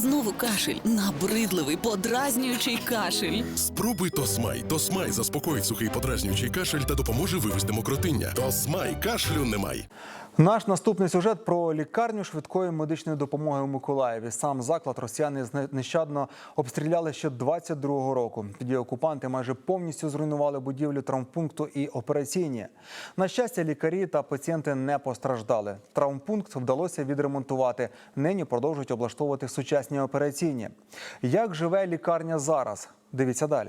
Знову кашель. Набридливий, подразнюючий кашель. Спробуй Тосмай. Тосмай заспокоїть сухий подразнюючий кашель та допоможе вивести мокротиння. Тосмай. Кашлю немає. Наш наступний сюжет про лікарню швидкої медичної допомоги у Миколаєві. Сам заклад росіяни нещадно обстріляли ще 22-го року. Тоді окупанти майже повністю зруйнували будівлю травмпункту і операційні. На щастя, лікарі та пацієнти не постраждали. Травмпункт вдалося відремонтувати. Нині продовжують облаштовувати сучасні операційні. Як живе лікарня зараз? Дивіться далі.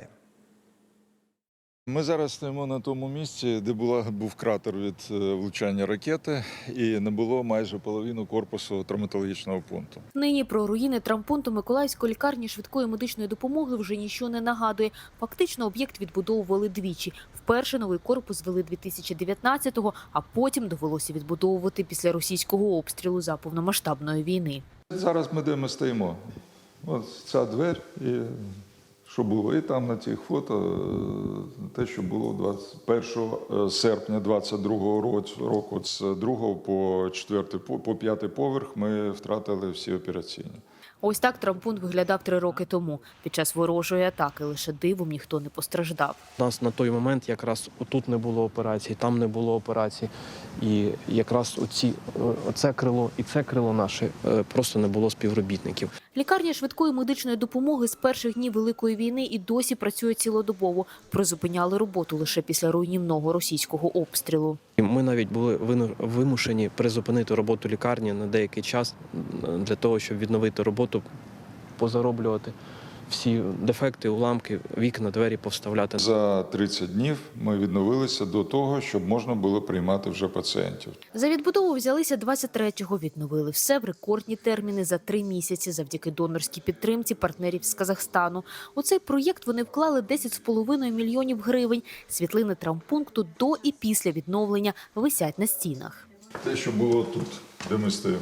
Ми зараз стоїмо на тому місці, де був кратер від влучання ракети, і не було майже половину корпусу травматологічного пункту. Нині про руїни травмпункту Миколаївської лікарні швидкої медичної допомоги вже нічого не нагадує. Фактично об'єкт відбудовували двічі. Вперше новий корпус звели 2019-го, а потім довелося відбудовувати після російського обстрілу за повномасштабної війни. Зараз де ми стоїмо. Ось ця двері, і що було. І там на цих фото те, що було 21 серпня 22-го року. З 2-го по 5-й поверх ми втратили всі операційні. Ось так травмпункт виглядав 3 роки тому. Під час ворожої атаки лише дивом ніхто не постраждав. У нас на той момент якраз тут не було операцій, там не було операцій. І якраз оце крило і це крило наше просто не було співробітників. Лікарня швидкої медичної допомоги з перших днів Великої війни і досі працює цілодобово. Призупиняли роботу лише після руйнівного російського обстрілу. Ми навіть були вимушені призупинити роботу лікарні на деякий час для того, щоб відновити роботу, позароблювати всі дефекти, уламки, вікна, двері повставляти. За 30 днів ми відновилися до того, щоб можна було приймати вже пацієнтів. За відбудову взялися 23-го, відновили все в рекордні терміни за 3 місяці завдяки донорській підтримці партнерів з Казахстану. У цей проєкт вони вклали 10,5 мільйонів гривень. Світлини травмпункту до і після відновлення висять на стінах. Те, що було тут, де ми стоїмо.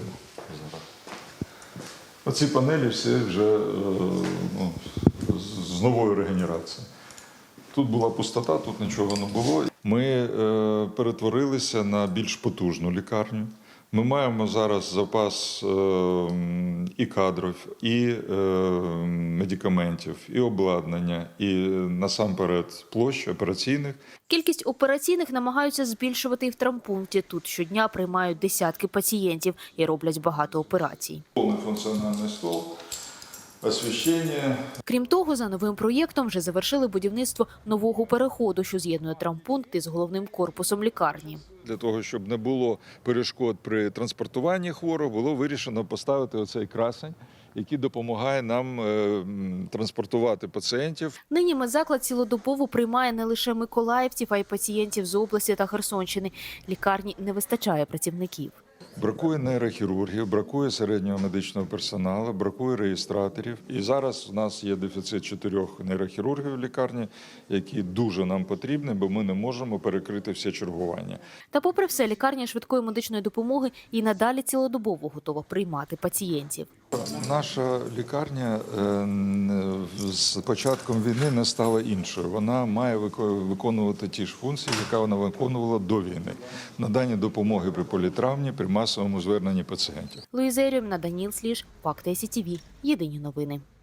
Оці панелі всі вже з новою регенерацією. Тут була пустота, тут нічого не було. Ми перетворилися на більш потужну лікарню. Ми маємо зараз запас і кадрів, і медикаментів, і обладнання, і насамперед площ операційних. Кількість операційних намагаються збільшувати і в травмпункті. Тут щодня приймають десятки пацієнтів і роблять багато операцій. Повний функціональний стол, освітлення. Крім того, за новим проєктом вже завершили будівництво нового переходу, що з'єднує травмпункт із головним корпусом лікарні. Для того, щоб не було перешкод при транспортуванні хворого, було вирішено поставити оцей красень, який допомагає нам транспортувати пацієнтів. Нині медзаклад цілодобово приймає не лише миколаївців, а й пацієнтів з області та Херсонщини. Лікарні не вистачає працівників. Бракує нейрохірургів, бракує середнього медичного персоналу, бракує реєстраторів. І зараз у нас є дефіцит 4 нейрохірургів в лікарні, які дуже нам потрібні, бо ми не можемо перекрити все чергування. Та попри все, лікарня швидкої медичної допомоги і надалі цілодобово готова приймати пацієнтів. Наша лікарня з початком війни не стала іншою. Вона має виконувати ті ж функції, які вона виконувала до війни. Надання допомоги при політравмі, при масовому зверненні пацієнтів. Луїза Єрьоміна, Даніл Сліж, Факти СІТВ. Єдині новини.